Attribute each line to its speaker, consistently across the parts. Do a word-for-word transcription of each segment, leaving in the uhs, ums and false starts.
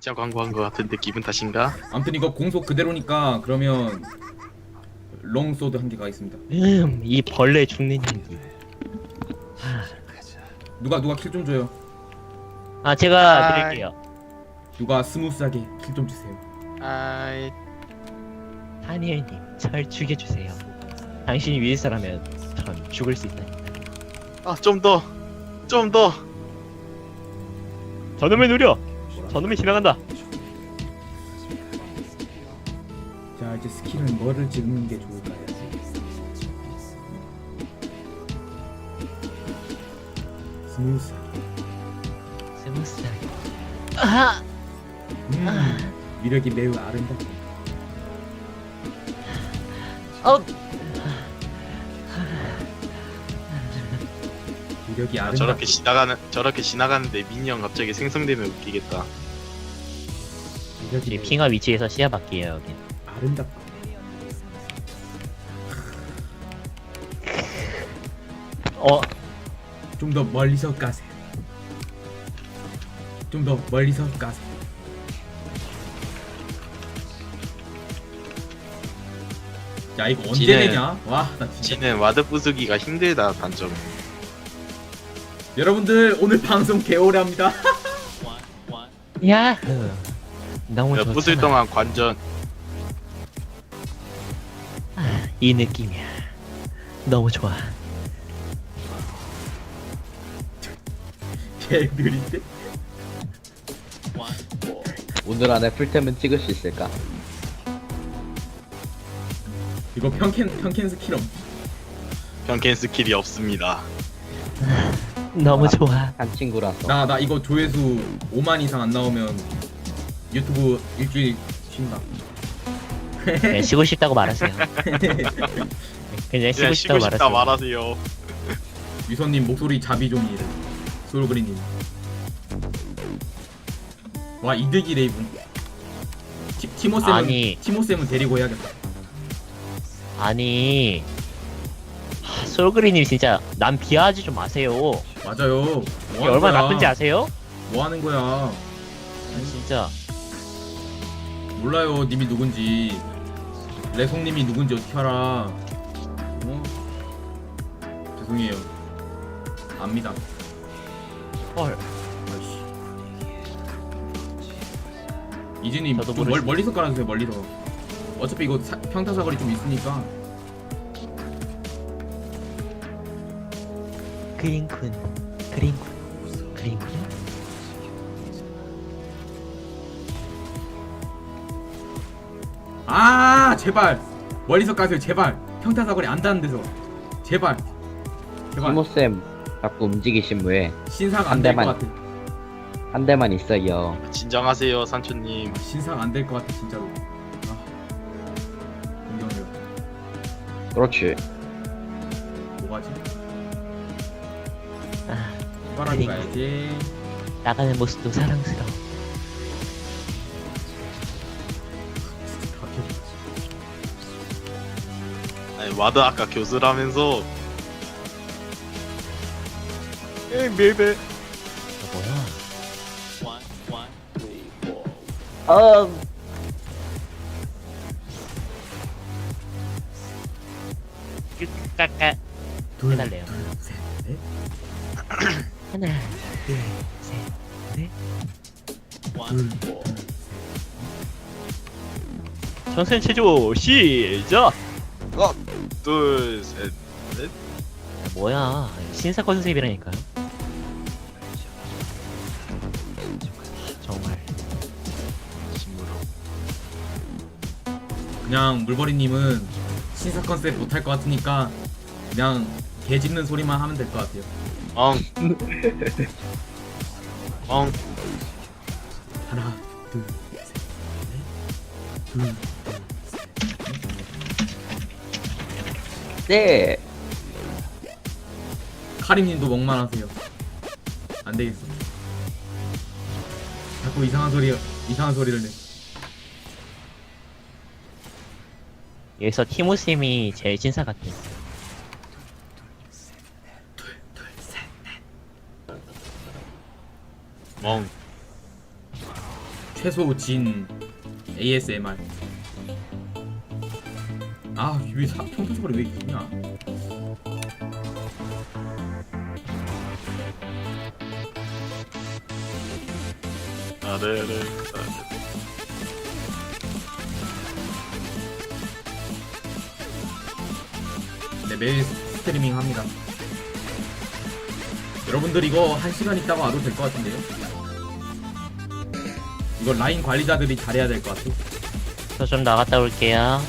Speaker 1: 진짜 광고한 거 같은데 기분 탓인가?
Speaker 2: 아무튼 이거 공속 그대로니까 그러면 롱소드 한 개가 있습니다.
Speaker 3: 음, 이 벌레 죽는 연기.
Speaker 2: 누가 누가 킬 좀 줘요.
Speaker 3: 아, 제가
Speaker 1: 아이.
Speaker 3: 드릴게요.
Speaker 2: 누가 스무스하게 킬 좀 주세요.
Speaker 1: 아이
Speaker 3: 다니엘님, 절 죽여주세요. 당신이 위해서라면 전 죽을 수 있다니까.
Speaker 1: 아좀 더 좀 더
Speaker 3: 저놈의 누려! 저놈이 지나간다!
Speaker 2: 자 이제 스킬은 뭐를 찍는 게 좋을까요? 스무스.
Speaker 3: 스무스하게. 아!
Speaker 2: 음, 위력이 매우 아름답고.
Speaker 3: 어!
Speaker 2: 위력이
Speaker 1: 아,
Speaker 2: 아름답고.
Speaker 1: 저렇게 지나가는 저렇게 지나가는데 미니언 갑자기 생성되면 웃기겠다.
Speaker 2: 위력이
Speaker 3: 이
Speaker 2: 매우
Speaker 3: 핑화 위치에서 시야 바뀌에요, 여긴.
Speaker 2: 아름답고.
Speaker 3: 어,
Speaker 2: 좀 더 멀리서 까세요. 좀 더 멀리서 까세요. 야 이거 언제
Speaker 1: 지는-
Speaker 2: 되냐? 와 나 진짜.
Speaker 1: 지는 와드 부수기가 힘들다 단점.
Speaker 2: 여러분들 오늘 방송 개오래 합니다.
Speaker 3: 야흐. 너무
Speaker 1: 야,
Speaker 3: 좋잖아.
Speaker 1: 부술 동안 관전.
Speaker 3: 아, 이 느낌이야. 너무 좋아.
Speaker 2: 개 느린데?
Speaker 4: 오늘 안에 풀템은 찍을 수 있을까?
Speaker 2: 이거 평캔 평캔 스킬 없.
Speaker 1: 변캔 스킬이 없습니다.
Speaker 3: 너무 좋아.
Speaker 4: 한 친구라서.
Speaker 2: 나 나 이거 조회수 오만 이상 안 나오면 유튜브 일주일 쉰다.
Speaker 3: 네, 쉬고 싶다고 말하세요. 그냥 쉬고
Speaker 1: 그냥
Speaker 3: 싶다고
Speaker 1: 쉬고 싶다
Speaker 3: 말하세요.
Speaker 1: 말하세요.
Speaker 2: 유선님 목소리 자비종이 솔그리님. 와 이득이 레이븐. 티, 티모쌤은
Speaker 3: 아니.
Speaker 2: 티모쌤은 데리고 해야겠다.
Speaker 3: 아니, 하, 솔그리님 진짜 남 비하하지 좀 마세요.
Speaker 2: 맞아요. 뭐
Speaker 3: 이게
Speaker 2: 하는
Speaker 3: 얼마나
Speaker 2: 거야?
Speaker 3: 나쁜지 아세요?
Speaker 2: 뭐 하는 거야?
Speaker 3: 아, 진짜.
Speaker 2: 몰라요 님이 누군지. 레송님이 누군지 어떻게 알아? 어? 죄송해요. 압니다.
Speaker 3: 헐.
Speaker 2: 아이씨. 이진님
Speaker 3: 저도
Speaker 2: 좀
Speaker 3: 모르시-
Speaker 2: 멀, 멀리서 깔아주세요. 멀리서. 어차피 이거 사, 평타사거리 좀 있으니까.
Speaker 3: 그린쿤, 그린쿤, 그린쿤.
Speaker 2: 아 제발 멀리서 까세요. 제발 평타사거리 안 닿는 데서. 제발. 제발.
Speaker 4: 티모쌤 자꾸 움직이시면 왜?
Speaker 2: 신상
Speaker 4: 한
Speaker 2: 안 될 것
Speaker 4: 대만.
Speaker 2: 같아.
Speaker 4: 한 대만 있어요.
Speaker 1: 진정하세요 산초님.
Speaker 2: 신상 안 될 것 같아 진짜로. 아. 공경력.
Speaker 4: 그렇지.
Speaker 2: 뭐가지?
Speaker 3: 아,
Speaker 2: 빨아주
Speaker 3: 그린-
Speaker 2: 가야지.
Speaker 3: 나가는 모습도 사랑스러워.
Speaker 1: 아니 와드 아까 교수라면서. 에이 밀배.
Speaker 3: 뭐야?
Speaker 4: 어.
Speaker 3: 까까.
Speaker 2: 둘,
Speaker 3: 해달래요.
Speaker 2: 둘, 셋, 넷.
Speaker 3: 하나, 둘, 셋, 넷.
Speaker 2: 둘,
Speaker 3: 전선 체조 시작.
Speaker 1: 하나 둘 셋.
Speaker 3: 뭐야? 신사 컨셉이라니까요. 정말.
Speaker 1: 심으로.
Speaker 2: 그냥 물버리님은 신사 컨셉 못할 것 같으니까 그냥 개 짖는 소리만 하면 될 것 같아요.
Speaker 1: 엉. 엉.
Speaker 2: 하나, 둘, 셋, 넷. 둘,
Speaker 4: 네.
Speaker 2: 카림님도 먹만하세요. 안 되겠어. 자꾸 이상한 소리, 이상한 소리를 내.
Speaker 3: 여기서 티모쌤이 제일 신사 같아.
Speaker 1: 멍.
Speaker 2: 최소 진 에이에스엠알. 아왜 평타 소리 왜 이렇게 냐
Speaker 1: 아래를
Speaker 2: 네, 매일 스트리밍 합니다. 여러분들 이거 한 시간 있다가 와도 될 것 같은데요? 이거 라인 관리자들이 잘해야 될 것 같아.
Speaker 3: 저 좀 나갔다 올게요.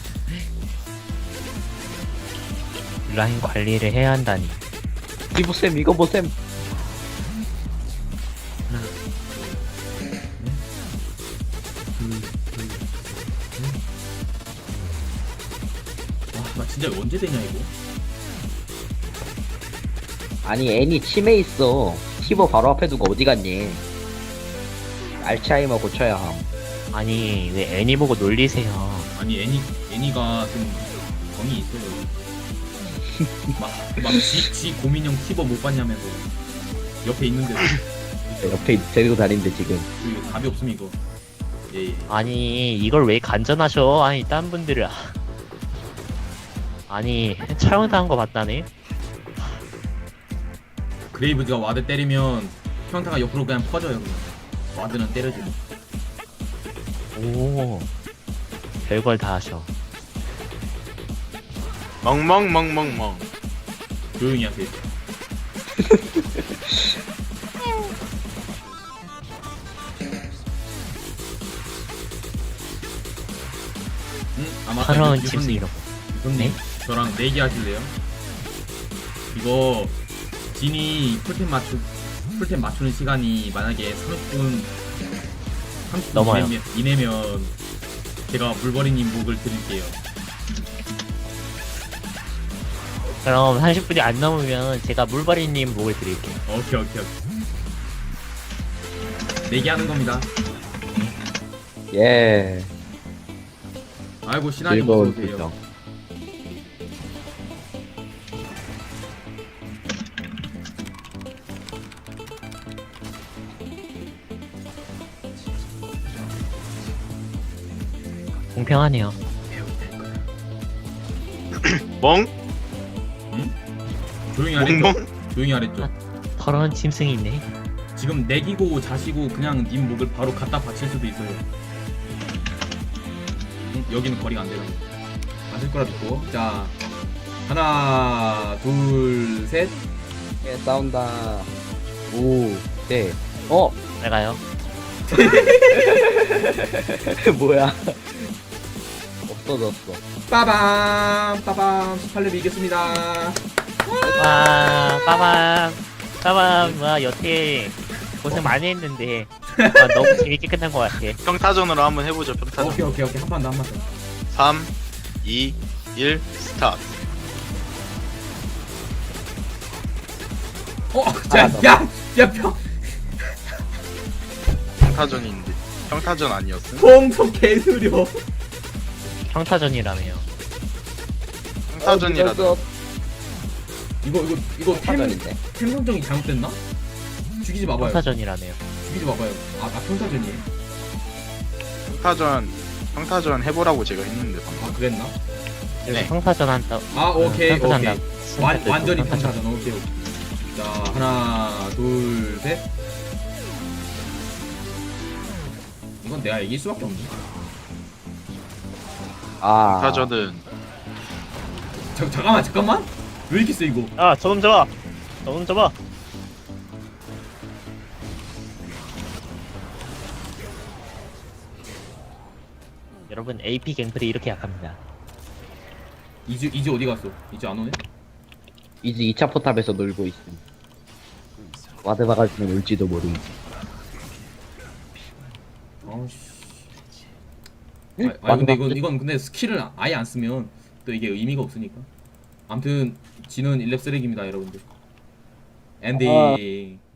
Speaker 3: 라인 관리를 해야 한다니.
Speaker 4: 이보셈 이거 보셈.
Speaker 2: 와, 나 진짜 이거 언제 되냐 이거?
Speaker 4: 아니 애니 치매 있어. 티버 바로 앞에 두고 어디 갔니? 알츠하이머 고쳐야 함.
Speaker 3: 아니 왜 애니 보고 놀리세요.
Speaker 2: 아니 애니 애니가 좀 정이 있어요. 막막지 지 고민형 티버 못 봤냐면서 옆에 있는데
Speaker 4: 옆에 데리고 다니는데 지금.
Speaker 2: 이거 답이 없음 이거. 예 예.
Speaker 3: 아니 이걸 왜 간전하셔? 아니 딴 분들은 아니 촬영당한 거 봤다네.
Speaker 2: 그레이브즈가 와드 때리면 평타가 옆으로 그냥 퍼져요. 그냥. 와드는 때려주고.
Speaker 3: 오 별걸 다 하셔.
Speaker 1: 멍멍멍멍멍.
Speaker 2: 조용히 하세요. 응? 아마
Speaker 3: 파라운
Speaker 2: 유선님,
Speaker 3: 짐승이라고.
Speaker 2: 유선님,
Speaker 3: 네?
Speaker 2: 저랑 내기 하실래요? 이거 진이 풀템 맞추 풀템 맞추는 시간이 만약에 삼십 분 삼십 분
Speaker 3: 넘어요.
Speaker 2: 이내면, 이내면 제가 물버리님 목을 드릴게요.
Speaker 3: 그럼 삼십 분이 안 넘으면 제가 물바리님 목을 드릴게요.
Speaker 2: 오케이 오케이 오케이. 내기 하는 겁니다.
Speaker 4: 예.
Speaker 2: 아이고 신하님
Speaker 4: 즐거운
Speaker 2: 어서오세요.
Speaker 4: 표정.
Speaker 3: 공평하네요.
Speaker 1: 멍?
Speaker 2: 조용히 하랬죠?
Speaker 1: 멍멍?
Speaker 2: 조용히 하랬죠?
Speaker 3: 더러운 짐승이 있네.
Speaker 2: 지금 내기고 자시고 그냥 님 목을 바로 갖다 바칠 수도 있어요. 응? 여기는 거리가 안 돼요. 맞을 거라 믿고. 자, 하나, 둘, 셋.
Speaker 4: 예, 싸운다. 오, 네. 어,
Speaker 3: 잘 가요.
Speaker 4: 뭐야? 없어졌어.
Speaker 2: 빠밤, 빠밤. 십팔 렙 이겼습니다.
Speaker 3: 와 빠밤 빠밤. 와 여태 고생 많이 했는데 와, 너무 재밌게 끝난 것 같아.
Speaker 1: 평타전으로 한번 해보죠. 평타전.
Speaker 2: 오케이, 오케이, 오케이. 한 판 더, 한 판 더.
Speaker 1: 삼, 이, 일, 스타트.
Speaker 2: 어, 자,
Speaker 4: 하나 더.
Speaker 2: 야, 야, 평,
Speaker 1: 평타전인데 평타전 아니었음?
Speaker 2: 평소 개느려.
Speaker 3: 평타전이라며요.
Speaker 1: 평타전이라도
Speaker 2: 이거, 이거, 이거 템,
Speaker 4: 타전인데.
Speaker 2: 템 선정이 잘못됐나? 죽이지 마봐요.
Speaker 3: 평타전이라며요.
Speaker 2: 죽이지 마봐요. 아, 아 평타전이에요?
Speaker 1: 평타전 평타전 해보라고 제가 했는데 방금.
Speaker 2: 아, 그랬나?
Speaker 1: 네.
Speaker 3: 평타전 한다.
Speaker 2: 아, 오케이,
Speaker 3: 평타전
Speaker 2: 오케이.
Speaker 3: 한다.
Speaker 2: 완, 완전히 평타전. 오케이, 오케이. 자, 하나, 둘, 셋. 이건 내가 이길 수밖에 없네.
Speaker 4: 아.
Speaker 1: 평타전은
Speaker 2: 자, 잠깐만, 잠깐만. 왜 이렇게 세 이거?
Speaker 3: 아, 저놈 잡아. 저놈 잡아. 여러분 에이피 갱플이 이렇게 약합니다.
Speaker 2: 이즈, 이즈 어디 갔어? 이즈 안 오네?
Speaker 4: 이제 이 차 포탑에서 놀고 있음. 와드 박아주면 올지도 모름.
Speaker 2: 아우씨. 아, 아 근데 이건 이건 근데 스킬을 아예 안 쓰면 또 이게 의미가 없으니까. 아무튼 지는 일 렙 쓰레기입니다, 여러분들. 엔딩.